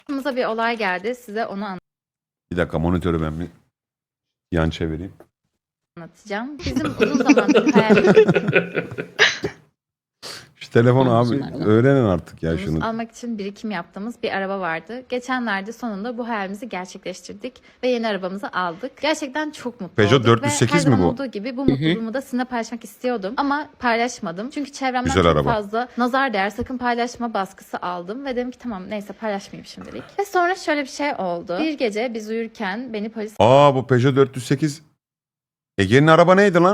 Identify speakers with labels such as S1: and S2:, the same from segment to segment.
S1: Başımıza bir olay geldi. Size onu
S2: Bir dakika monitörü ben bir yan çevireyim.
S1: anlatacağım. Bizim uzun zamandır hayalimiz
S2: Şu telefonu abi
S3: Anlasınlar lan.
S2: öğrenin artık ya şunu.
S1: almak için birikim yaptığımız bir araba vardı. Geçenlerde sonunda bu hayalimizi gerçekleştirdik ve yeni arabamızı aldık. Gerçekten çok mutlu
S2: Peugeot
S1: olduk
S2: 408
S1: ve her
S2: mi
S1: zaman
S2: bu?
S1: olduğu gibi bu mutluluğumu da sizinle paylaşmak istiyordum ama paylaşmadım. Çünkü çevremden
S2: Güzel
S1: çok
S2: araba.
S1: fazla nazar değer sakın paylaşma baskısı aldım ve dedim ki tamam neyse paylaşmayayım şimdilik. Ve sonra şöyle bir şey oldu. Bir gece biz uyurken beni polis
S2: Aa bu Peugeot 408. Ege'nin araba neydi lan?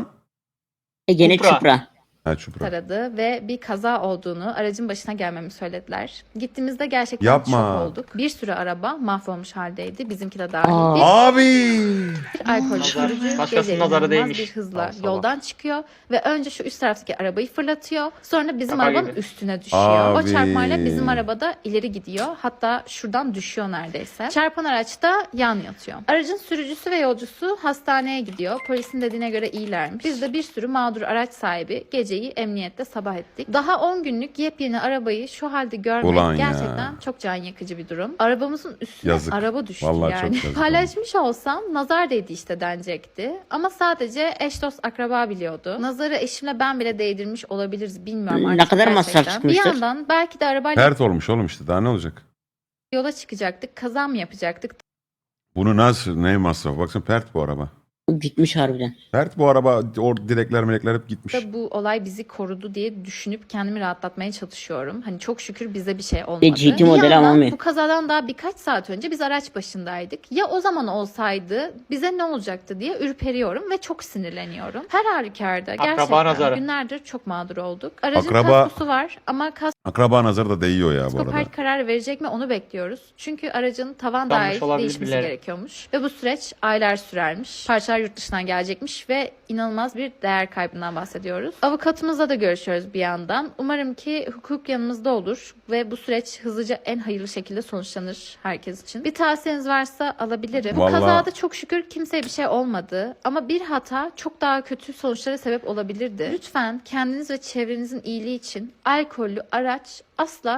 S3: Gene
S4: Supra.
S3: Çupra.
S2: Ha Çupra.
S1: aradı ve bir kaza olduğunu, aracın başına gelmemi söylediler. Gittiğimizde gerçekten
S2: Yapma.
S1: şok olduk. Bir sürü araba mahvolmuş haldeydi. Bizimki de dahil.
S3: Aa.
S1: Bir
S2: Abi.
S1: alkol
S4: Nazar.
S1: sürücü
S4: Başkasının
S1: gece
S4: nazarı
S1: inanılmaz
S4: değmiş.
S1: bir hızla
S4: Sabah.
S1: yoldan çıkıyor ve önce şu üst taraftaki arabayı fırlatıyor. Sonra bizim
S4: Şaka
S1: arabanın
S4: gibi.
S1: üstüne düşüyor. O
S2: Abi.
S1: çarpmayla bizim arabada ileri gidiyor. Hatta şuradan düşüyor neredeyse. Çarpan araç da yan yatıyor. Aracın sürücüsü ve yolcusu hastaneye gidiyor. Polisin dediğine göre iyilermiş. Biz de bir sürü mağdur araç sahibi geceyi emniyette sabah ettik. Daha 10 günlük yepyeni arabayı şu halde görmek
S2: Ulan ya.
S1: gerçekten çok can yakıcı bir durum. Arabamızın üstüne
S2: Yazık.
S1: araba düştü
S2: Vallahi çok
S1: yani.
S2: yazık.
S1: Paylaşmış olsam nazar değdi işte denecekti. Ama sadece eş dost akraba biliyordu. Nazarı eşimle ben bile değdirmiş olabiliriz bilmiyorum
S3: Ne
S1: artık
S3: kadar masraf
S1: gerçekten. Bir
S3: çıkmıştır?
S1: yandan belki de arabayla
S2: Pert olmuş oğlum işte daha ne olacak?
S1: yola çıkacaktık, kaza mı yapacaktık?
S2: Bunu nasıl ne masraf? Baksana pert bu araba.
S3: Gitmiş harbiden.
S2: Pert bu araba. O direkler melekler hep gitmiş.
S1: Da bu olay bizi korudu diye düşünüp kendimi rahatlatmaya çalışıyorum. Hani çok şükür bize bir şey olmadı.
S3: GT
S1: Bir
S3: modeli
S1: yandan
S3: ama mi?
S1: bu kazadan daha birkaç saat önce biz araç başındaydık. Ya o zaman olsaydı bize ne olacaktı diye ürperiyorum ve çok sinirleniyorum. Her halükarda
S4: Akraba
S1: gerçekten
S4: nazarı.
S1: günlerdir çok mağdur olduk. Aracın
S2: Akraba-
S1: kaskosu var ama
S2: Akraba nazarı da değiyor ya bu
S1: kasko
S2: arada.
S1: park kararı verecek mi onu bekliyoruz. Çünkü aracın tavan
S4: Yanlış
S1: dahil
S4: olabilir
S1: değişmesi
S4: bilerek.
S1: gerekiyormuş. Ve bu süreç aylar sürermiş. Parçalar yurt dışından gelecekmiş ve inanılmaz bir değer kaybından bahsediyoruz. Avukatımızla da görüşüyoruz bir yandan. Umarım ki hukuk yanımızda olur ve bu süreç hızlıca en hayırlı şekilde sonuçlanır herkes için. Bir tavsiyeniz varsa alabilirim. Bu
S2: Vallahi-
S1: kazada çok şükür kimseye bir şey olmadı ama bir hata çok daha kötü sonuçlara sebep olabilirdi. Lütfen kendiniz ve çevrenizin iyiliği için alkollü araç asla